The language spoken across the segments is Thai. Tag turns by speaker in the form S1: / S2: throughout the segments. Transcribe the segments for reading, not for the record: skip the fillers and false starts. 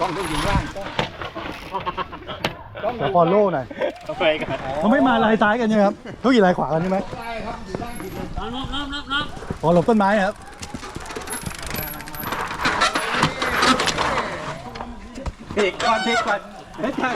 S1: ต้องได้ยินว่างต้อง
S2: ขอฟอลโล่หน่อยเขาไม่มาลายซ้ายกันใช่ไหมครับเขากี่ลายขวากันใช่ไหม
S1: ใช่ครับอยู่ล่างผิดเลย
S2: ขอหลบต้นไม้ครับ
S1: เพกก่อนไม่ใช่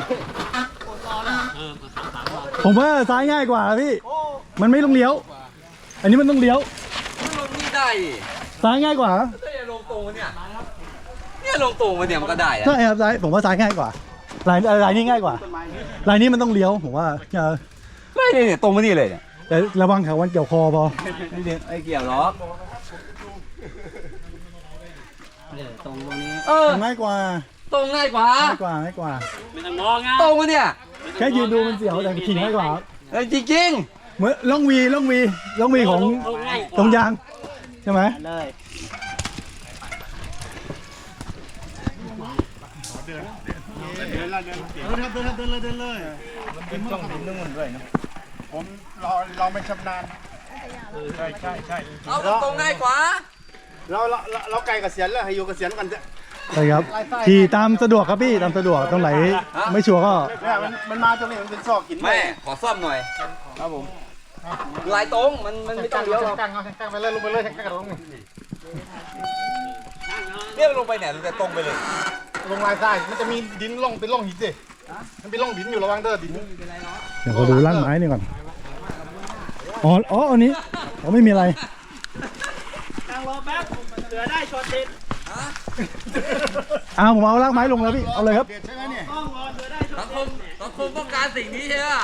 S2: ผมว่าซ้ายง่ายกว่าพี่มันไม่ต้องเลี้ยวอันนี้มันต้องเลี้ยว
S3: ลงนี่ได้
S2: ซ้ายง่ายกว่า
S3: เนี่ยลงตรงเนี่ยลงตรงมาเนี่ยมันก็ได้อะ
S2: ใช่ครับซ้ายผมว่าซ้ายง่ายกว่าลายนี้ง่ายกว่าลายนี้มันต้องเลี้ยวผมว่า
S3: ไม่เนี่ยตรงมานี่เลยเนี่ย
S2: แต่ระวังเขาวันเกี่ยวคอพอ
S3: ไอ้เกี่ยวหรอก
S1: ตรงนี้
S2: ง่ายกว่า
S3: ตรงง่ายกว่า
S2: ง่ายกว่าง่ายกว่า
S3: ตรงมาเนี่ย
S2: แค่ยืนดูมันเสียวแต่ขี่ง่ายกว่า
S3: จริง
S2: เหมือนล่องวีของตรงยางใช่ไหม
S1: เลยเดินเลยเป็นต้องดินนู่นด้วยนะผมเราไม่ชำนาญใช่
S3: ๆเอาตรงง่ายกว่า
S1: เราไกลเกษียณแล้วให้อยู่เกษียณกันเถอะ
S2: ใช่ครับขี่ตามสะดวกครับพี่ตามสะดวกตรงไหนไม่ชัวร์ก็
S1: เนี่ยมันมาตรงนี้มันเป็นซอกหิน
S3: แม่ขอซ่อมหน่อยครับผมลายตรงมันไม่ต้องเลี้ยวหรอก
S1: กางไปเลยลงไปเลยกางลง
S3: เนี่ยลงไปเนี่ยจะตรงไปเลย
S1: ลงลายใต้มันจะมีดินล่องเป็นล่องหินดิมันเป็นล่องดินอยู่ระวังเด้อดิน
S2: เดี๋ยวขอดูร่างไม้นี่ก่อนอ๋ออันนี้ไม่มีอะไร ผมเอารากไม้ลงแล้วพี่ เอาเลยครับ
S1: ใช่ไหมเนี่ย
S3: สังคมต้องการสิ่งนี้ใช่ไหม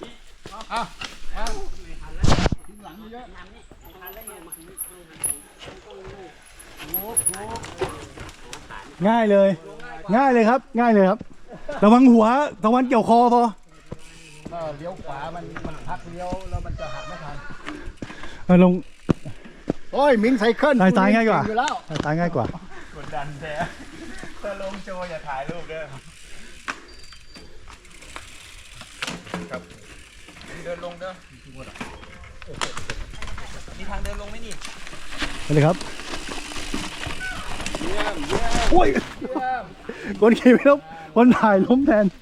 S2: ง่ายเลยครับ ง่ายเลยครับ ระวังหัวตะวันเกี่ยวคอพอ
S1: เลี้ยวขวามันพักเลี้ยวแล้วมันจะหักไม่ทัน
S2: ลง
S1: โอ้ยมิงไซเคิล
S2: สายง่ายกว่า
S1: อยู่แล้ว
S2: สายง่ายกว่า
S1: กดดันแท้ถ้าลงโจอย่าถ่ายรูปเด้อครับเดินลงเด้อ
S3: มีทางเดินลงไหมนี่
S2: ไปเลยครับโอ้ยคนขี่ไม่ล้มคนถ่ายล้มแทน